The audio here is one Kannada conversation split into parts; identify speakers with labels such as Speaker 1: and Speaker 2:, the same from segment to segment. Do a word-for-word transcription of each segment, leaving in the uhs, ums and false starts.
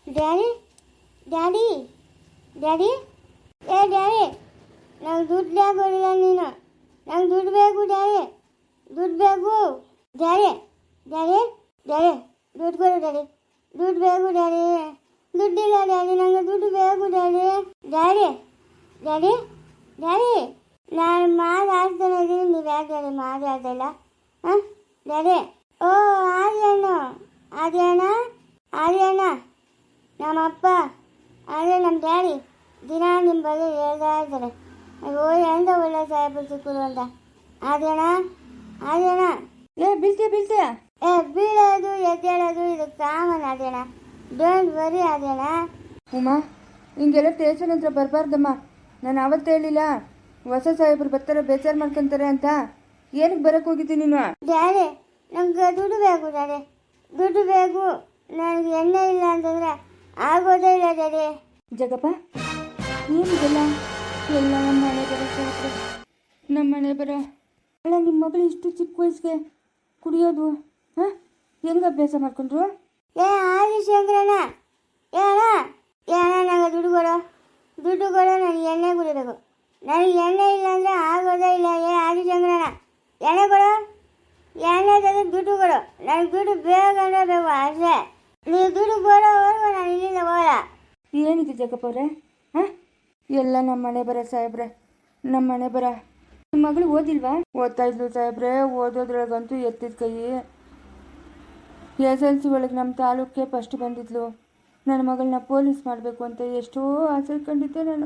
Speaker 1: ಡ್ಯಾಡಿ ಡ್ಯಾಡಿ ಡ್ಯಾಡಿ ಏ ಡ್ಯಾಡಿ ನಂಗೆ ದುಡ್ಡು ಬೇಕಾಗಿಲ್ಲ ನೀನು ನಂಗೆ ದುಡ್ಡು ಬೇಕು ಡ್ಯಾಡಿ ದುಡ್ಡು ಬೇಕು ಡ್ಯಾಡಿ ಡ್ಯಾಡಿ ಡ್ಯಾಡಿ ದುಡ್ಡು ಕೊಡು ಡ್ಯಾಡಿ ದುಡ್ಡು ಬೇಕು ಡ್ಯಾಡಿ ದುಡ್ಡಿಲ್ಲ ಡ್ಯಾಡಿ ನಂಗೆ ದುಡ್ಡು ಬೇಕು ಡ್ಯಾಡಿ ಡ್ಯಾಡಿ ಡ್ಯಾಡಿ ಡ್ಯಾಡಿ ನಾನು ಮಾತಾಡ್ತಾನೆ ಇದ್ದೀನಿ ನೀವು ಯಾಕೆ ಡ್ಯಾಡಿ ಮಾತಾಡ್ತಾ ಇಲ್ಲ ಹಾಂ ಡ್ಯಾಡಿ ಓ ಆರ್ಯಣ್ಣ ಆರ್ಯಣ್ಣ ಆರ್ಯಣ್ಣ ನಮ್ಮಪ್ಪ ಅದೇ ನಮ್ಮ ಡ್ಯಾಡಿ ದಿನ ನಿಮ್ಮ ಬಗ್ಗೆ ಹೇಳ್ತಾ ಇರ್ತಾರೆ ಅಯ್ಯೋ ಎಂತ ಒಳ್ಳೆ ಸಾಹೇಬರು ಸಿಕ್ಕರು ಅಂತ ಆರ್ಯಣ್ಣ ಆರ್ಯಣ್ಣ
Speaker 2: ಏ ಬೀಳ್ತೀಯ ಬೀಳ್ತೀಯ
Speaker 1: ಏ ಬೀಳೋದು ಎದ್ದೇಳೋದು ಇದು ಕಾಮನ್ ಆರ್ಯಣ್ಣ ಡೋಂಟ್ ವರಿ ಆರ್ಯಣ್ಣ.
Speaker 2: ಉಮಾ ಹಿಂಗೆಲ್ಲ ಸ್ಟೇಷನ್ ಹತ್ರ ಬರಬಾರ್ದಮ್ಮ. ನಾನು ಅವತ್ತು ಹೇಳಿಲ್ಲ ಹೊಸ ಸಾಹೇಬರು ಬರ್ತಾರೆ ಬೇಜಾರು ಮಾಡ್ಕೊಂತಾರೆ ಅಂತ. ಏನಕ್ಕೆ ಬರಕ್ಕೆ ಹೋಗಿದ್ದೀನಿ ನೀನು?
Speaker 1: ಡ್ಯಾಡಿ ನಂಗೆ ದುಡ್ಡು ಬೇಕು ಡ್ಯಾಡಿ ದುಡ್ಡು ಬೇಕು ನನಗೆ ಎಣ್ಣೆ ಇಲ್ಲ ಅಂತಂದರೆ ಆಗೋದೇ ಇಲ್ಲ ಡ್ಯಾಡಿ.
Speaker 2: ಜಗಪ್ಪ ಏನಿದೆಲ್ಲ ಎಲ್ಲ ನಮ್ಮ ಮನೆ ಬರೋ ಸಾಹೇಬ್ರು ನಮ್ಮ ಮನೆ ಬರೋ ಅಲ್ಲ ನಿಮ್ಮ ಮಗಳು ಇಷ್ಟು ಚಿಕ್ಕ ವಯಸ್ಸಿಗೆ ಕುಡಿಯೋದು ಹಾಂ ಹೆಂಗೆ ಅಭ್ಯಾಸ ಮಾಡ್ಕೊಂಡ್ರು?
Speaker 1: ಏ ಆದಿಶಂಕರಣ್ಣ ಏ ಅಣ್ಣ ಏ ಅಣ್ಣ ನಂಗೆ ದುಡ್ಡು ಕೊಡು ದುಡ್ಡು ಕೊಡು ನನಗೆ ಎಣ್ಣೆ ಕುಡಿಬೇಕು ನನಗೆ ಎಣ್ಣೆ ಇಲ್ಲ ಅಂದರೆ ಆಗೋದೇ ಇಲ್ಲ. ಏ ಆದಿಶಂಕರಣ್ಣ ಎಣ್ಣೆ ಕೊಡು ಎಣ್ಣೆ ತೆಗೆದು ದುಡ್ಡು ಕೊಡು ನನಗೆ ದುಡ್ಡು ಬೇಕಂದ್ರೆ ಬೇಕು ಅಷ್ಟೇ. ನೀವು ದುಡ್ಡು ಕೊಡೋವರೆಗೂ ನಾನು ಇಲ್ಲಿಂದ ಹೋಗಲ್ಲ.
Speaker 2: ಏನಿದೆ ಜಗಪ್ಪ ಅವರೇ ಹಾಂ ಎಲ್ಲ ನಮ್ಮ ಮನೆ ಬರೋ ಸಾಹೇಬ್ರೆ ನಮ್ಮ ಮನೆ ಬರ. ನಿಮ್ಮ ಮಗಳು ಓದಿಲ್ವಾ? ಓದ್ತಾ ಇದ್ಲು ಸಾಹೇಬ್ರೆ. ಓದೋದ್ರೊಳಗಂತೂ ಎತ್ತಿದ ಕೈ. ಎಸ್ ಎಲ್ ಸಿ ಒಳಗೆ ನಮ್ಮ ತಾಲೂಕಿಗೆ ಫಸ್ಟ್ ಬಂದಿದ್ಲು. ನನ್ನ ಮಗಳನ್ನ ಪೊಲೀಸ್ ಮಾಡಬೇಕು ಅಂತ ಎಷ್ಟೋ ಆಸೆ ಕಂಡಿದ್ದೆ ನಾನು.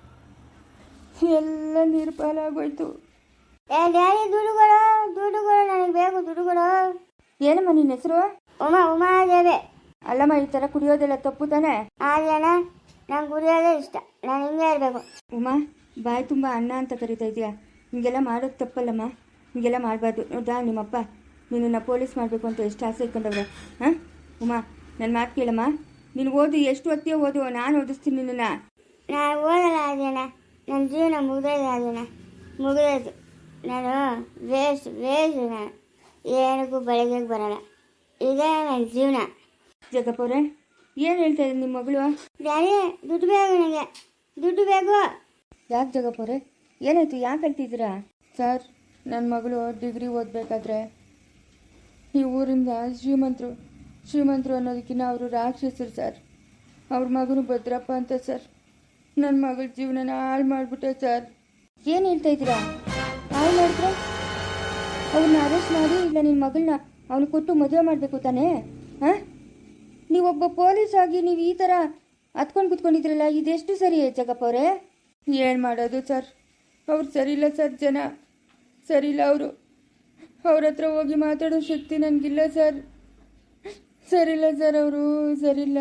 Speaker 2: ಎಲ್ಲ ನೀರು ಪಾಲಾಗೋಯ್ತು.
Speaker 1: ಏ ಡ್ಯಾಡಿ ದುಡ್ಡು ಕೊಡು ದುಡ್ಡು ಕೊಡು ನನಗೆ ಬೇಕು ದುಡ್ಡು ಕೊಡು.
Speaker 2: ಏನಮ್ಮ ನಿನ್ನ ಹೆಸರು?
Speaker 1: ಉಮಾ ಉಮಾದೇವಿ.
Speaker 2: ಅಲ್ಲಮ್ಮ ಈ ಥರ ಕುಡಿಯೋದೆಲ್ಲ ತಪ್ಪು ತಾನೆ?
Speaker 1: ಆದ್ಯಣ್ಣ ನಂಗೆ ಕುಡಿಯೋದೇ ಇಷ್ಟ ನಾನು ಹಿಂಗೆ ಇರಬೇಕು.
Speaker 2: ಉಮಾ ಬಾಯಿ ತುಂಬ ಅಣ್ಣ ಅಂತ ಕರಿತಾ ಇದೆಯಾ? ಹಿಂಗೆಲ್ಲ ಮಾಡೋದು ತಪ್ಪಲ್ಲಮ್ಮ. ಹಿಂಗೆಲ್ಲ ಮಾಡಬಾರ್ದು. ನೋಡ್ದಾ ನಿಮ್ಮಪ್ಪ ನಿನ್ನನ್ನು ಪೊಲೀಸ್ ಮಾಡಬೇಕು ಅಂತ ಎಷ್ಟು ಆಸೆ ಇಟ್ಕೊಂಡವ್ರೆ. ಹಾಂ ಉಮಾ ನನ್ನ ಮಾತು ಕೇಳಮ್ಮ. ನೀನು ಓದು ಎಷ್ಟು ಹೊತ್ತಿಯೋ ಓದು ನಾನು ಓದಿಸ್ತೀನಿ ನಿನ್ನನ್ನು.
Speaker 1: ನಾನು ಓದಲ್ಲ ಆದ್ಯಣ್ಣ ನನ್ನ ಜೀವನ ಮುಗಿದೋಯ್ತು ಆದ್ಯಣ್ಣ ಮುಗಿದೋಯ್ತು. ನಾನು ವೇಸ್ಟ್ ವೇಸ್ಟ್ ನಾನು ಏನಕ್ಕೂ ಬೆಳಗ್ಗೆ ಬರೋಲ್ಲ. ಇದೇ ನನ್ನ ಜೀವನ.
Speaker 2: ಜಗಪ್ಪ ಅವರೇ ಏನು ಹೇಳ್ತಾ ಇದ್ದೀನಿ ನಿಮ್ಮ ಮಗಳು?
Speaker 1: ಡ್ಯಾಡಿ ದುಡ್ಡು ಬೇಕು ನನಗೆ ದುಡ್ಡು ಬೇಕು.
Speaker 2: ಯಾಕೆ ಜಗಪ್ಪ ಅವರೇ ಏನಾಯ್ತು? ಯಾಕೆ ಹೇಳ್ತಿದ್ದೀರಾ? ಸರ್ ನನ್ನ ಮಗಳು ಡಿಗ್ರಿ ಓದಬೇಕಾದ್ರೆ ಈ ಊರಿಂದ ಶ್ರೀಮಂತರು ಶ್ರೀಮಂತರು ಅನ್ನೋದಕ್ಕಿಂತ ಅವರು ರಾಕ್ಷಸರು ಸರ್. ಅವ್ರ ಮಗನು ಭದ್ರಪ್ಪ ಅಂತ ಸರ್. ನನ್ನ ಮಗಳ ಜೀವನನ ಹಾಳು ಮಾಡಿಬಿಟ್ಟೆ ಸರ್. ಏನು ಹೇಳ್ತಾ ಇದ್ದೀರಾ? ಹಾಳು ಮಾಡಿದ್ರೆ ಅವ್ರನ್ನ ಅರೆಸ್ಟ್ ಮಾಡಿ ಇಲ್ಲ ನಿನ್ನ ಮಗಳನ್ನ ಅವನು ಕೊಟ್ಟು ಮದುವೆ ಮಾಡಬೇಕು ತಾನೇ? ಹಾಂ ನೀವೊಬ್ಬ ಪೊಲೀಸ್ ಆಗಿ ನೀವು ಈ ಥರ ಹತ್ಕೊಂಡು ಕೂತ್ಕೊಂಡಿದ್ರಲ್ಲ ಇದೆಷ್ಟು ಸರಿ ಜಗಪ್ಪ ಅವರೇ? ಏನು ಮಾಡೋದು ಸರ್, ಅವ್ರು ಸರಿಯಿಲ್ಲ ಸರ್. ಜನ ಸರಿಯಿಲ್ಲ. ಅವರು ಅವ್ರ ಹತ್ರ ಹೋಗಿ ಮಾತಾಡೋ ಶಕ್ತಿ ನನಗಿಲ್ಲ ಸರ್. ಸರಿಯಿಲ್ಲ ಸರ್, ಅವರು ಸರಿಯಿಲ್ಲ.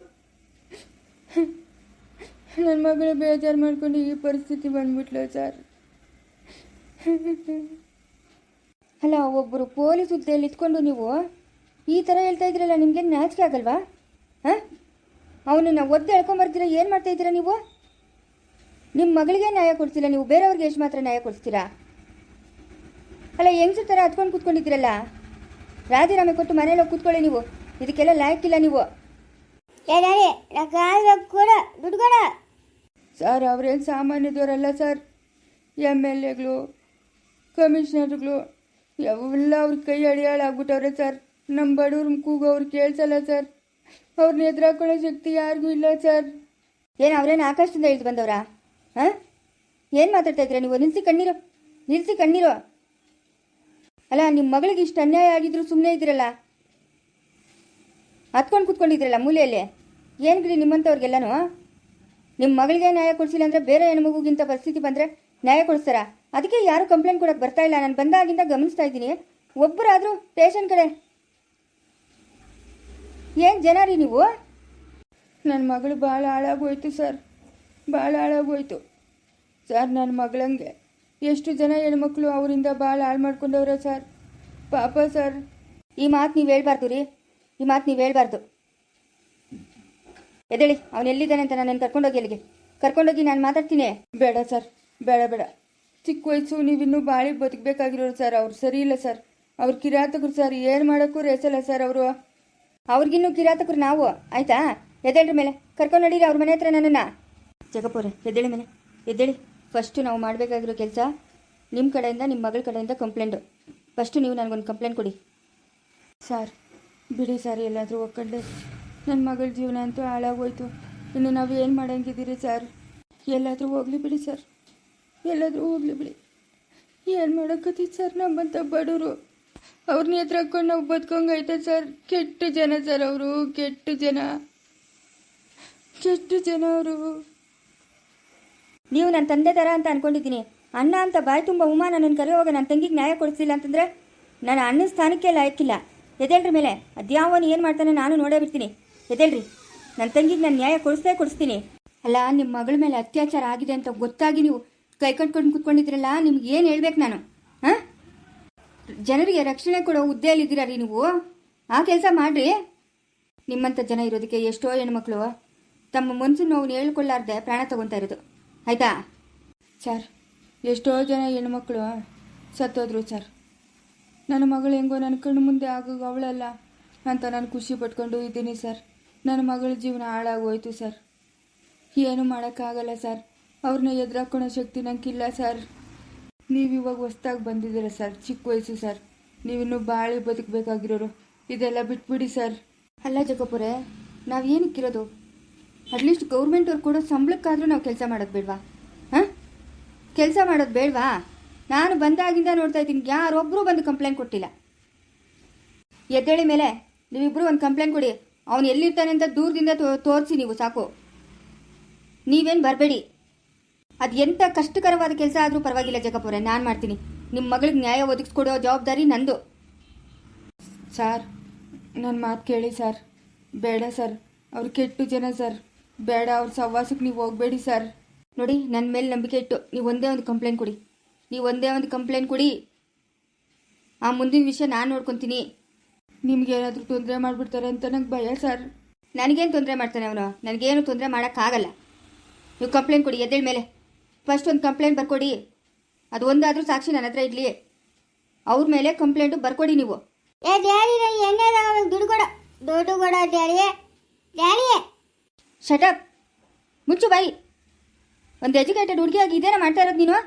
Speaker 2: ನನ್ನ ಮಗಳು ಬೇಜಾರು ಮಾಡ್ಕೊಂಡು ಈ ಪರಿಸ್ಥಿತಿ ಬಂದ್ಬಿಟ್ಲು ಸರ್. ಅಲ್ಲ ಒಬ್ಬರು ಪೊಲೀಸ್ ಹುದ್ದೆಯಲ್ಲಿ ಇಟ್ಕೊಂಡು ನೀವು ಈ ಥರ ಹೇಳ್ತಾ ಇದ್ದೀರಲ್ಲ, ನಿಮಗೆ ನಾಚಿಕೆ ಆಗಲ್ವಾ? ಹಾಂ ಅವನನ್ನು ಒದ್ದು ಎಳ್ಕೊಂಬರ್ತೀರ. ಏನು ಮಾಡ್ತಾ ಇದ್ದೀರಾ ನೀವು? ನಿಮ್ಮ ಮಗಳಿಗೆ ನ್ಯಾಯ ಕೊಡ್ತಿಲ್ಲ ನೀವು, ಬೇರೆಯವ್ರಿಗೆ ಎಷ್ಟು ಮಾತ್ರ ನ್ಯಾಯ ಕೊಡಿಸ್ತೀರಾ? ಅಲ್ಲ ಹೆಂಗ್ಸು ಥರ ಹತ್ಕೊಂಡು ಕೂತ್ಕೊಂಡಿದ್ದೀರಲ್ಲ, ರಾಜೀನಾಮೆ ಕೊಟ್ಟು ಮನೇಲಿ ಹೋಗಿ ಕೂತ್ಕೊಳ್ಳಿ ನೀವು. ಇದಕ್ಕೆಲ್ಲ ಲಾಯಕ್ಕಿಲ್ಲ ನೀವು.
Speaker 1: ಏ ಡ್ಯಾಡಿ ನಂಗೆ ಕೊಡ ದುಡ್ಡು ಕೊಡ.
Speaker 2: ಸರ್ ಅವ್ರೇನು ಸಾಮಾನ್ಯದವರಲ್ಲ ಸರ್. ಎಮ್ ಎಲ್ ಎಗಳು ಕಮಿಷನರ್ಗಳು ಎಲ್ಲ ಅವ್ರ ಕೈ ಅಡಿಯಾಳಾಗ್ಬಿಟ್ಟವ್ರೆ ಸರ್. ನಮ್ಮ ಬಡವ್ರ ಕೂಗು ಅವ್ರು ಕೇಳಿಸಲ್ಲ ಸರ್. ಅವ್ರನ್ನ ಎದುರಾಕೊಳ್ಳೋ ಶಕ್ತಿ ಯಾರಿಗೂ ಇಲ್ಲ ಸರ್. ಏನು ಅವ್ರೇನು ಆಕಾಶದಿಂದ ಇಳಿದು ಬಂದವರಾ? ಹಾಂ ಏನು ಮಾತಾಡ್ತಾ ಇದ್ದೀರಾ ನೀವು? ನಿಲ್ಲಿಸಿ ಕಣ್ಣೀರು ನಿಲ್ಲಿಸಿ ಕಣ್ಣೀರು. ಅಲ್ಲ ನಿಮ್ಮ ಮಗಳಿಗೆ ಇಷ್ಟು ಅನ್ಯಾಯ ಆಗಿದ್ರು ಸುಮ್ಮನೆ ಇದ್ದೀರಲ್ಲ, ಹತ್ಕೊಂಡು ಕೂತ್ಕೊಂಡಿದ್ದೀರಲ್ಲ ಮೂಲೆಯಲ್ಲಿ. ಏನು ಬಿಡಿ ನಿಮ್ಮಂಥವ್ರಿಗೆಲ್ಲನೂ ನಿಮ್ಮ ಮಗಳಿಗೆ ನ್ಯಾಯ ಕೊಡಿಸಿಲ್ಲ ಅಂದರೆ ಬೇರೆ ಹೆಣ್ಮಗುಗಿಂತ ಪರಿಸ್ಥಿತಿ ಬಂದರೆ ನ್ಯಾಯ ಕೊಡಿಸ್ತಾರ? ಅದಕ್ಕೆ ಯಾರು ಕಂಪ್ಲೇಂಟ್ ಕೊಡೋಕ್ಕೆ ಬರ್ತಾ ಇಲ್ಲ. ನಾನು ಬಂದಾಗಿಂದ ಗಮನಿಸ್ತಾ ಇದ್ದೀನಿ. ಒಬ್ಬರಾದರೂ ಸ್ಟೇಷನ್ ಕಡೆ ಏನು ಜನ ರೀ ನೀವು? ನನ್ನ ಮಗಳು ಭಾಳ ಹಾಳಾಗೋಯ್ತು ಸರ್, ಭಾಳ ಹಾಳಾಗೋಯ್ತು ಸರ್. ನನ್ನ ಮಗಳಂಗೆ ಎಷ್ಟು ಜನ ಹೆಣ್ಮಕ್ಳು ಅವರಿಂದ ಭಾಳ ಹಾಳು ಮಾಡ್ಕೊಂಡವ್ರೆ ಸರ್. ಪಾಪ ಸರ್. ಈ ಮಾತು ನೀವು ಹೇಳ್ಬಾರ್ದು ರೀ, ಈ ಮಾತು ನೀವು ಹೇಳ್ಬಾರ್ದು. ಎದ್ದೇಳಿ, ಅವನು ಎಲ್ಲಿದ್ದಾನೆ ಅಂತ ನಾನು ಕರ್ಕೊಂಡೋಗಿ ಅಲ್ಲಿಗೆ ಕರ್ಕೊಂಡೋಗಿ ನಾನು ಮಾತಾಡ್ತೀನಿ. ಬೇಡ ಸರ್, ಬೇಡ ಬೇಡ. ಚಿಕ್ಕ ವಯಸ್ಸು, ನೀವಿನ್ನೂ ಬಾಳಿ ಬದುಕಬೇಕಾಗಿರೋರು ಸರ್. ಅವ್ರು ಸರಿ ಇಲ್ಲ ಸರ್. ಅವ್ರು ಕಿರಾತಕರು ಸರ್. ಏನು ಮಾಡೋಕ್ಕೂ ರೇಸಲ್ಲ ಸರ್ ಅವರು. ಅವ್ರಿಗಿನ್ನೂ ಕಿರಾತಕರು ನಾವು, ಆಯಿತಾ? ಎದ್ದೇಳ್ರಿ ಮೇಲೆ ಕರ್ಕೊಂಡು ನಡೀರಿ ಅವ್ರ ಮನೆ ಹತ್ರ ನನ್ನನ್ನು. ಜಗಪುರ ಎದ್ದೇಳಿ ಮೇಲೆ ಎದ್ದೇಳಿ. ಫಸ್ಟು ನಾವು ಮಾಡಬೇಕಾಗಿರೋ ಕೆಲಸ ನಿಮ್ಮ ಕಡೆಯಿಂದ ನಿಮ್ಮ ಮಗಳ ಕಡೆಯಿಂದ ಕಂಪ್ಲೇಂಟು. ಫಸ್ಟು ನೀವು ನನಗೊಂದು ಕಂಪ್ಲೇಂಟ್ ಕೊಡಿ. ಸರ್ ಬಿಡಿ ಸರ್, ಎಲ್ಲಾದರೂ ಒಕ್ಕಂಡೆ ನನ್ನ ಮಗಳ ಜೀವನ ಅಂತೂ ಹಾಳಾಗೋಯ್ತು. ಇನ್ನು ನಾವು ಏನು ಮಾಡಂಗಿದ್ದೀರಿ ಸರ್? ಎಲ್ಲಾದರೂ ಹೋಗಲಿ ಬಿಡಿ ಸರ್, ಎಲ್ಲಾದರೂ ಹೋಗಲಿ ಬಿಡಿ. ಏನು ಮಾಡೋಕ್ಕತ್ತೀವಿ ಸರ್ ನಮ್ಮಂಥ ಬಡವರು? ಅವ್ರನ್ನ ಎದುರು ಹಾಕ್ಕೊಂಡು ನಾವು ಬದುಕೊಂಗೈತೆ ಸರ್. ಕೆಟ್ಟ ಜನ ಸರ್ ಅವರು, ಕೆಟ್ಟ ಜನ, ಕೆಟ್ಟ ಜನ ಅವರು. ನೀವು ನನ್ನ ತಂದೆ ಥರ ಅಂತ ಅಂದ್ಕೊಂಡಿದ್ದೀನಿ. ಅಣ್ಣ ಅಂತ ಬಾಯಿ ತುಂಬ ಉಮಾ ನನ್ನನ್ನು ಕರೆಯುವಾಗ ನನ್ನ ತಂಗಿಗೆ ನ್ಯಾಯ ಕೊಡಿಸಿಲ್ಲ ಅಂತಂದರೆ ನಾನು ಅಣ್ಣನ ಸ್ಥಾನಕ್ಕೆ ಲಾಯಕ್ಕಿಲ್ಲ. ಎದ್ದೇಳ್ರಿ ಮೇಲೆ. ಅದ್ಯಾವನು ಏನು ಮಾಡ್ತಾನೆ ನಾನು ನೋಡೇ ಬಿಡ್ತೀನಿ. ಎದ್ದೇಳ್ರಿ. ನನ್ನ ತಂಗಿಗೆ ನಾನು ನ್ಯಾಯ ಕೊಡಿಸ್ತೇ ಕೊಡಿಸ್ತೀನಿ. ಅಲ್ಲ, ನಿಮ್ಮ ಮಗಳ ಮೇಲೆ ಅತ್ಯಾಚಾರ ಆಗಿದೆ ಅಂತ ಗೊತ್ತಾಗಿ ನೀವು ಕೈ ಕಟ್ಕೊಂಡು ಕೂತ್ಕೊಂಡಿದ್ರಲ್ಲ, ನಿಮ್ಗೆ ಏನು ಹೇಳ್ಬೇಕು ನಾನು? ಹಾಂ, ಜನರಿಗೆ ರಕ್ಷಣೆ ಕೊಡೋ ಹುದ್ದೆಯಲ್ಲಿದ್ದೀರಾ ರೀ ನೀವು. ಆ ಕೆಲಸ ಮಾಡಿರಿ. ನಿಮ್ಮಂಥ ಜನ ಇರೋದಕ್ಕೆ ಎಷ್ಟೋ ಹೆಣ್ಮಕ್ಳು ತಮ್ಮ ಮನಸ್ಸು ನೋವು ಹೇಳ್ಕೊಳ್ಳಾರ್ದೆ ಪ್ರಾಣ ತಗೊತಾ ಇರೋದು. ಆಯಿತಾ ಸರ್? ಎಷ್ಟೋ ಜನ ಹೆಣ್ಮಕ್ಳು ಸತ್ತೋದ್ರು ಸರ್. ನನ್ನ ಮಗಳು ಹೆಂಗೋ ನನ್ನ ಕಣ್ಣು ಮುಂದೆ ಆಗೋದು ಅವಳಲ್ಲ ಅಂತ ನಾನು ಖುಷಿ ಪಟ್ಕೊಂಡು ಇದ್ದೀನಿ ಸರ್. ನನ್ನ ಮಗಳ ಜೀವನ ಹಾಳಾಗೋಯ್ತು ಸರ್. ಏನು ಮಾಡೋಕ್ಕಾಗಲ್ಲ ಸರ್. ಅವ್ರನ್ನ ಎದುರಾಕೊಳ್ಳೋ ಶಕ್ತಿ ನನಗಿಲ್ಲ ಸರ್. ನೀವು ಇವಾಗ ಹೊಸ್ದಾಗಿ ಬಂದಿದ್ದೀರ ಸರ್, ಚಿಕ್ಕ ವಯಸ್ಸು ಸರ್. ನೀವಿನ್ನೂ ಬಾಳಿ ಬದುಕಬೇಕಾಗಿರೋರು. ಇದೆಲ್ಲ ಬಿಟ್ಬಿಡಿ ಸರ್. ಅಲ್ಲ ಜಗಪುರೆ, ನಾವು ಏನಕ್ಕಿರೋದು? ಅಟ್ಲೀಸ್ಟ್ ಗೌರ್ಮೆಂಟವ್ರು ಕೊಡೋ ಸಂಬಳಕ್ಕಾದರೂ ನಾವು ಕೆಲಸ ಮಾಡೋದು ಬೇಡವಾ? ಹಾಂ, ಕೆಲಸ ಮಾಡೋದು ಬೇಡವಾ? ನಾನು ಬಂದಾಗಿಂದ ನೋಡ್ತಾ ಇದ್ದೀನಿ, ಯಾರೊಬ್ಬರೂ ಬಂದು ಕಂಪ್ಲೇಂಟ್ ಕೊಟ್ಟಿಲ್ಲ. ಎದ್ದೇಳಿ ಮೇಲೆ. ನೀವಿಬ್ಬರು ಒಂದು ಕಂಪ್ಲೇಂಟ್ ಕೊಡಿ. ಅವನು ಎಲ್ಲಿರ್ತಾನೆ ಅಂತ ದೂರದಿಂದ ತೋರಿಸಿ ನೀವು ಸಾಕು. ನೀವೇನು ಬರಬೇಡಿ. ಅದು ಎಂಥ ಕಷ್ಟಕರವಾದ ಕೆಲಸ ಆದರೂ ಪರವಾಗಿಲ್ಲ ಜಗಪುರೆ, ನಾನು ಮಾಡ್ತೀನಿ. ನಿಮ್ಮ ಮಗಳಿಗೆ ನ್ಯಾಯ ಒದಗಿಸ್ಕೊಡೋ ಜವಾಬ್ದಾರಿ ನಂದು. ಸರ್, ನನ್ನ ಮಾತು ಕೇಳಿ ಸರ್. ಬೇಡ ಸರ್, ಅವ್ರು ಕೆಟ್ಟು ಜನ ಸರ್. ಬೇಡ, ಅವ್ರ ಸಹವಾಸಕ್ಕೆ ನೀವು ಹೋಗಬೇಡಿ ಸರ್. ನೋಡಿ, ನನ್ನ ಮೇಲೆ ನಂಬಿಕೆ ಇಟ್ಟು ನೀವು ಒಂದೇ ಒಂದು ಕಂಪ್ಲೇಂಟ್ ಕೊಡಿ. ನೀವು ಒಂದೇ ಒಂದು ಕಂಪ್ಲೇಂಟ್ ಕೊಡಿ. ಆ ಮುಂದಿನ ವಿಷಯ ನಾನು ನೋಡ್ಕೊತೀನಿ. ನಿಮ್ಗೇನಾದರೂ ತೊಂದರೆ ಮಾಡಿಬಿಡ್ತಾರೆ ಅಂತ ನಂಗೆ ಭಯ ಸರ್. ನನಗೇನು ತೊಂದರೆ ಮಾಡ್ತಾನೆ ಅವನು? ನನಗೇನು ತೊಂದರೆ ಮಾಡೋಕ್ಕಾಗಲ್ಲ. ನೀವು ಕಂಪ್ಲೇಂಟ್ ಕೊಡಿ. ಎದ್ದೇಳ ಮೇಲೆ. ಫಸ್ಟ್ ಒಂದು ಕಂಪ್ಲೇಂಟ್ ಬರ್ಕೊಡಿ. ಅದು ಒಂದಾದರೂ ಸಾಕ್ಷಿ ನನ್ನ ಹತ್ರ ಇರಲಿ. ಅವ್ರ ಮೇಲೆ ಕಂಪ್ಲೇಂಟು ಬರ್ಕೊಡಿ ನೀವು.
Speaker 1: ಏ ಡ್ಯಾಡಿ, ನನಗೆ ಎಣ್ಣೆ ತಗೋಬೇಕು, ದುಡ್ಡು ಕೊಡು, ದುಡ್ಡು ಕೊಡೋ ಡ್ಯಾಡಿಯೇ, ಡ್ಯಾಡಿಯೇ.
Speaker 2: ಶಟಪ್, ಮುಚ್ಚು ಬಾಯಿ. ಒಂದು ಎಜುಕೇಟೆಡ್ ಹುಡುಗಿಯಾಗಿ ಇದೇನ ಮಾಡ್ತಾ ಇರೋದು ನೀನು?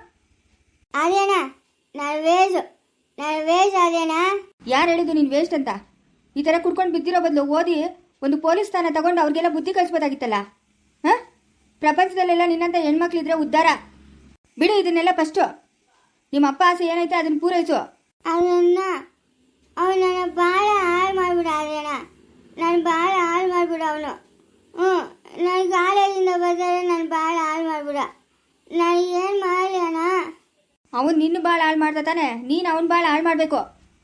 Speaker 1: ಅದೇನಾ ನಾನು ವೇಜು, ನಾನು ವೇಜ್ ಅದೇನಾ?
Speaker 2: ಯಾರು ಹೇಳಿದ್ದು ನೀನು ವೇಸ್ಟ್ ಅಂತ? ಈ ಥರ ಕುಡ್ಕೊಂಡು ಬಿದ್ದಿರೋ ಬದಲು ಓದಿ ಒಂದು ಪೊಲೀಸ್ ಸ್ಥಾನ ತಗೊಂಡು ಅವ್ರಿಗೆಲ್ಲ ಬುದ್ಧಿ ಕಲಿಸ್ಬೋದಾಗಿತ್ತಲ್ಲ. ಹಾಂ, ಪ್ರಪಂಚದಲ್ಲೆಲ್ಲ ನಿನ್ನಂಥ ಹೆಣ್ಮಕ್ಳಿದ್ರೆ ಉದ್ಧಾರ. ಬಿಡು ಇದನ್ನೆಲ್ಲ. ಫಸ್ಟು ನಿಮ್ಮ ಅಪ್ಪ ಆಸೆ ಏನೈತೆ ಅದನ್ನು ಪೂರೈಸು.
Speaker 1: ಅವನನ್ನ ಅವನು ನನ್ನ ಭಾಳ ಹಾಳು ಮಾಡಿಬಿಡ. ಅದೇನಾ ನಾನು ಭಾಳ ಹಾಳು ಮಾಡಿಬಿಡ ಅವನು. ಹ್ಞೂ, ನನ್ನ ಕಾಲೇಜಿಂದ ಬರ್ತಾರೆ, ನಾನು ಭಾಳ ಹಾಳು ಮಾಡಿಬಿಡ. ನಾನು ಏನು ಮಾಡಲಿ ಅಣ್ಣ?
Speaker 2: ಅವನು ನಿನ್ನ ಭಾಳ ಹಾಳು ಮಾಡ್ದ ತಾನೆ, ನೀನು ಅವನು ಭಾಳ ಹಾಳು ಮಾಡಬೇಕು.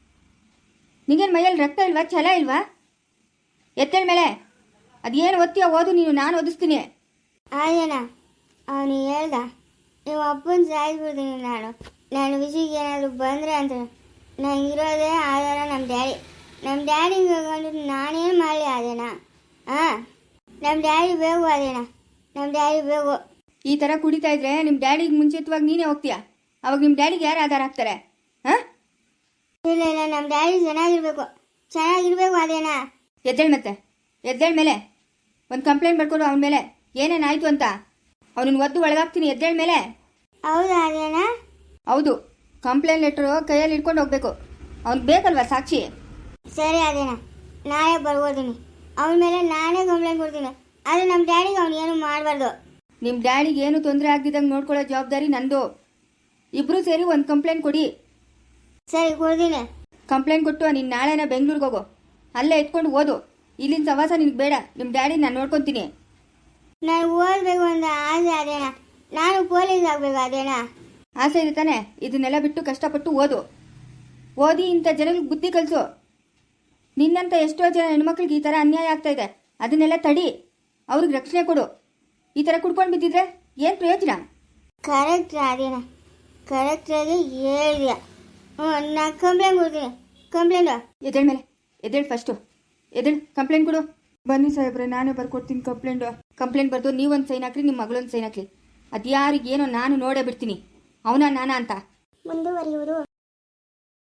Speaker 2: ನಿಗೇನು ಮೈಯಲ್ಲಿ ರಕ್ತ ಇಲ್ವಾ, ಛಲ ಇಲ್ವಾ? ಎತ್ತೇಳ ಮೇಲೆ. ಅದೇನು ಓದ್ತೀಯ ಓದು ನೀನು, ನಾನು ಓದಿಸ್ತೀನಿ.
Speaker 1: ಅದೇನಾ ಅವನು ಹೇಳ್ದ, ನೀವು ಅಪ್ಪನ ಸಾಯಿಸ್ಬಿಡ್ತೀನಿ ನಾನು. ನನ್ನ ವಿಷಯಕ್ಕೆ ಏನಾದರೂ ಬಂದರೆ ಅಂತ ನನಗಿರೋದೇ ಆಧಾರ ನಮ್ಮ ಡ್ಯಾಡಿ. ನಮ್ಮ ಡ್ಯಾಡಿಗೆ ಹೋಗ್ಕೊಂಡು ನಾನೇನು ಮಾಡಲಿ ಅದೇನಾ? ಹಾಂ, ನಮ್ಮ ಡ್ಯಾಡಿ ಬೇಕು ಅದೇನಾ, ನಮ್ಮ ಡ್ಯಾಡಿ ಬೇಕು.
Speaker 2: ಈ ಥರ ಕುಡಿತಾ ಇದ್ರೆ ನಿಮ್ಮ ಡ್ಯಾಡಿಗೆ ಮುಂಚಿತವಾಗಿ ನೀನೇ ಹೋಗ್ತೀಯಾ. ಅವಾಗ ನಿಮ್ಮ ಡ್ಯಾಡಿಗೆ ಯಾರು ಆಧಾರ ಆಗ್ತಾರೆ? ಹಾಂ,
Speaker 1: ಇಲ್ಲ ಇಲ್ಲ, ನಮ್ಮ ಡ್ಯಾಡಿ ಚೆನ್ನಾಗಿರ್ಬೇಕು, ಚೆನ್ನಾಗಿರ್ಬೇಕು ಅದೇನಾ.
Speaker 2: ಎದ್ದೇಳ ಮತ್ತೆ. ಎದ್ದೇಳ ಮೇಲೆ. ಒಂದು ಕಂಪ್ಲೇಂಟ್ ಬರ್ಕೊಡು ಅವನ ಮೇಲೆ, ಏನೇನಾಯಿತು ಅಂತ. ಅವನನ್ನು ಒದ್ದು ಒಳಗಾಗ್ತೀನಿ. ಎದ್ದೇಳ ಮೇಲೆ.
Speaker 1: ಹೌದಾ ಅದೇನಾ?
Speaker 2: ಹೌದು. ಕಂಪ್ಲೇಂಟ್ ಲೆಟ್ರು ಕೈಯಲ್ಲಿ ಇಟ್ಕೊಂಡು ಹೋಗ್ಬೇಕು. ಅವ್ನಿಗೆ ಬೇಕಲ್ವಾ ಸಾಕ್ಷಿ?
Speaker 1: ಸರಿ ಅದೇನಾ, ನಾಳೆ ಬರ್ಬೋದೀನಿ. ಅವನ ಮೇಲೆ ನಾನೇ ಕಂಪ್ಲೇಂಟ್ ಕೊಡ್ತೀನಿ. ಆದರೆ ನಮ್ಮ ಡ್ಯಾಡಿಗೆ ಅವ್ನು ಏನು ಮಾಡಬಾರ್ದು.
Speaker 2: ನಿಮ್ಮ ಡ್ಯಾಡಿಗೆ ಏನು ತೊಂದರೆ ಆಗ್ದಿದ್ದಂಗೆ ನೋಡ್ಕೊಳ್ಳೋ ಜವಾಬ್ದಾರಿ ನಂದು. ಇಬ್ಬರು ಸೇರಿ ಒಂದು ಕಂಪ್ಲೇಂಟ್ ಕೊಡಿ.
Speaker 1: ಸರಿ, ಕೊಡ್ತೀನಿ.
Speaker 2: ಕಂಪ್ಲೇಂಟ್ ಕೊಟ್ಟು ನೀನು ನಾಳೆನ ಬೆಂಗಳೂರಿಗೆ ಹೋಗು. ಅಲ್ಲೇ ಎತ್ಕೊಂಡು ಓದು. ಇಲ್ಲಿನ ಸವಾಸ ನಿನಗೆ ಬೇಡ. ನಿಮ್ಮ ಡ್ಯಾಡಿ ನಾನು ನೋಡ್ಕೊತೀನಿ.
Speaker 1: ನಾನು ಓದಬೇಕು ಅಂತ ಆಸೆ ಅದೇನಾ, ನಾನು ಪೊಲೀಸ್ ಆಗಬೇಕು ಅದೇನಾ?
Speaker 2: ಆಸೆ ಇದೆ ತಾನೆ? ಇದನ್ನೆಲ್ಲ ಬಿಟ್ಟು ಕಷ್ಟಪಟ್ಟು ಓದು. ಓದಿ ಇಂಥ ಜನಗಳಿಗೆ ಬುದ್ಧಿ ಕಲಿಸು. ನಿನ್ನಂಥ ಎಷ್ಟೋ ಜನ ಹೆಣ್ಮಕ್ಳಿಗೆ ಈ ಥರ ಅನ್ಯಾಯ ಆಗ್ತಾ ಇದೆ. ಅದನ್ನೆಲ್ಲ ತಡಿ, ಅವ್ರಿಗೆ ರಕ್ಷಣೆ ಕೊಡು. ಈ ಥರ ಕುಡ್ಕೊಂಡು ಬಿದ್ದಿದ್ರೆ ಏನು ಪ್ರಯೋಜನ?
Speaker 1: ಕರೆಕ್ಟ್ ಅದೇನಾ, ಕರೆಕ್ಟಾಗಿ ಹೇಳಿದ್ಯಾ. ಹ್ಞೂ, ನಾನು ಕಂಪ್ಲೇಂಟ್ ಕೊಡ್ತೀನಿ. ಕಂಪ್ಲೇಂಟು
Speaker 2: ಎದ್ದೇಳ ಮೇಲೆ. ಎದ್ದೇಳು ಫಸ್ಟು. ಎದ್ದೇಳು, ಕಂಪ್ಲೇಂಟ್ ಕೊಡು. ಬನ್ನಿ ಸಾಹೇಬ್ರೆ, ನಾನೇ ಬರ್ಕೊಡ್ತೀನಿ ಕಂಪ್ಲೇಂಟು. ಕಂಪ್ಲೇಂಟ್ ಬರೆದು ನೀವೊಂದು ಸೈನ್ ಹಾಕ್ರಿ, ನಿಮ್ಮ ಮಗಳೊಂದು ಸೈನ್ ಹಾಕ್ಲಿ. ಅದು ಯಾರಿಗೇನೋ ನಾನು ನೋಡೇ ಬಿಡ್ತೀನಿ, ಅವನ ನಾನಾ ಅಂತ.
Speaker 1: ಮುಂದುವರಿಯುವುದು.